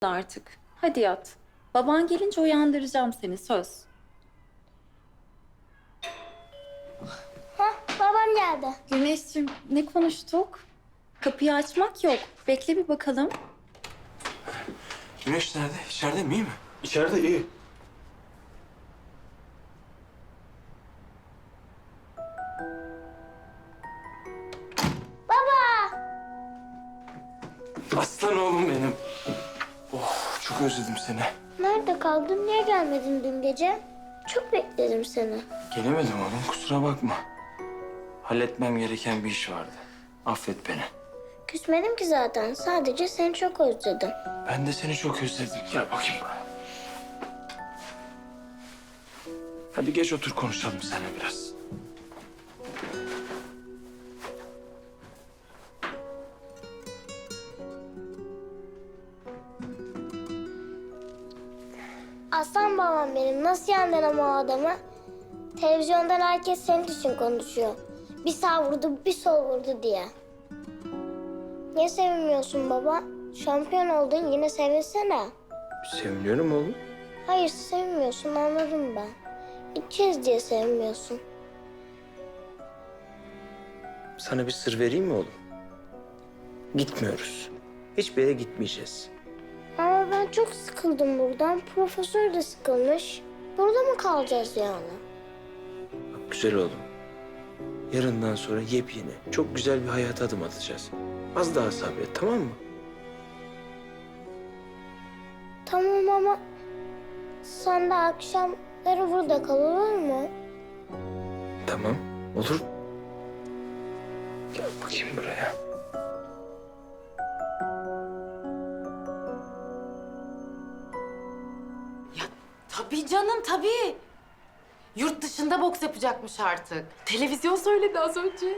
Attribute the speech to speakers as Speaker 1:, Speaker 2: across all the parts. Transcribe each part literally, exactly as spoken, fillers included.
Speaker 1: artık. Hadi yat. Baban gelince uyandıracağım seni, söz.
Speaker 2: Hah, babam geldi.
Speaker 1: Güneşciğim, ne konuştuk? Kapıyı açmak yok. Bekle bir bakalım.
Speaker 3: Güneş nerede? İçeride mi? İyi mi?
Speaker 4: İçeride iyi.
Speaker 3: Aslan oğlum benim. Oh, çok özledim seni.
Speaker 2: Nerede kaldın? Niye gelmedin dün gece? Çok bekledim seni.
Speaker 3: Gelemedim oğlum, kusura bakma. Halletmem gereken bir iş vardı. Affet beni.
Speaker 2: Küsmedim ki zaten. Sadece seni çok özledim.
Speaker 3: Ben de seni çok özledim. Gel bakayım buraya. Hadi geç otur konuşalım seninle biraz.
Speaker 2: Aslan babam benim. Nasıl yandın ama o adamı? Televizyondan herkes senin için konuşuyor. Bir sağ vurdu, bir sol vurdu diye. Niye sevinmiyorsun baba? Şampiyon oldun, yine sevinsene.
Speaker 3: Seviniyorum oğlum.
Speaker 2: Hayır, sevmiyorsun, anladım ben. İlk kez diye sevmiyorsun.
Speaker 3: Sana bir sır vereyim mi oğlum? Gitmiyoruz. Hiçbir yere gitmeyeceğiz.
Speaker 2: Ama ben çok sıkıldım buradan. Profesör de sıkılmış. Burada mı kalacağız yani?
Speaker 3: Bak güzel oğlum. Yarından sonra yepyeni, çok güzel bir hayata adım atacağız. Az daha sabret, tamam mı?
Speaker 2: Tamam ama sen de akşamları burada kal, olur mu?
Speaker 3: Tamam, olur. Gel bakayım buraya.
Speaker 5: Ya tabii canım tabii. Yurt dışında boks yapacakmış artık. Televizyon söyledi az önce.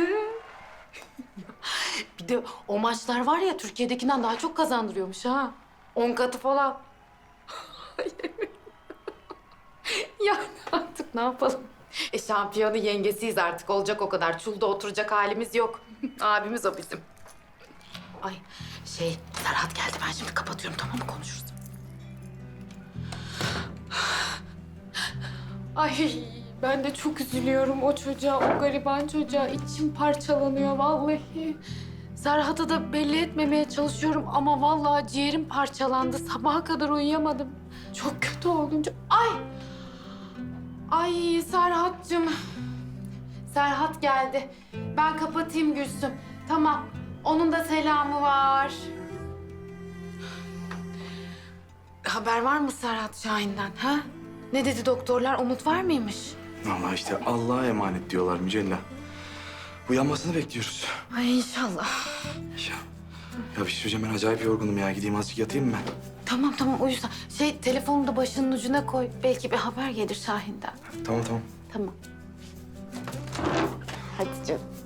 Speaker 5: Bir de o maçlar var ya Türkiye'dekinden daha çok kazandırıyormuş ha. On katı falan. Yani artık ne yapalım? E şampiyonu yengesiyiz artık. Olacak o kadar. Çulda oturacak halimiz yok. Abimiz o bizim. Ay şey Serhat geldi. Ben şimdi kapatıyorum, tamam mı? Konuşuruz. Ay ben de çok üzülüyorum o çocuğa, o gariban çocuğa. İçim parçalanıyor vallahi. Serhat'a da belli etmemeye çalışıyorum ama vallahi ciğerim parçalandı. Sabaha kadar uyuyamadım. Çok kötü oldum. Çok- Ay! Ay Serhat'cığım. Serhat geldi. Ben kapatayım Gülsüm. Tamam. Onun da selamı var. Haber var mı Serhat Şahin'den ha? Ne dedi doktorlar? Umut var mıymış?
Speaker 4: Vallahi işte Allah'a emanet diyorlar Mücella. Uyanmasını bekliyoruz.
Speaker 5: Ay inşallah.
Speaker 4: Ya, ya bir şey söyleyeceğim, ben acayip yorgunum ya. Gideyim azıcık yatayım mı ben?
Speaker 5: Tamam tamam uyusan. Şey telefonu da başının ucuna koy. Belki bir haber gelir Şahin'den.
Speaker 4: Tamam tamam.
Speaker 5: Tamam. Hadi canım.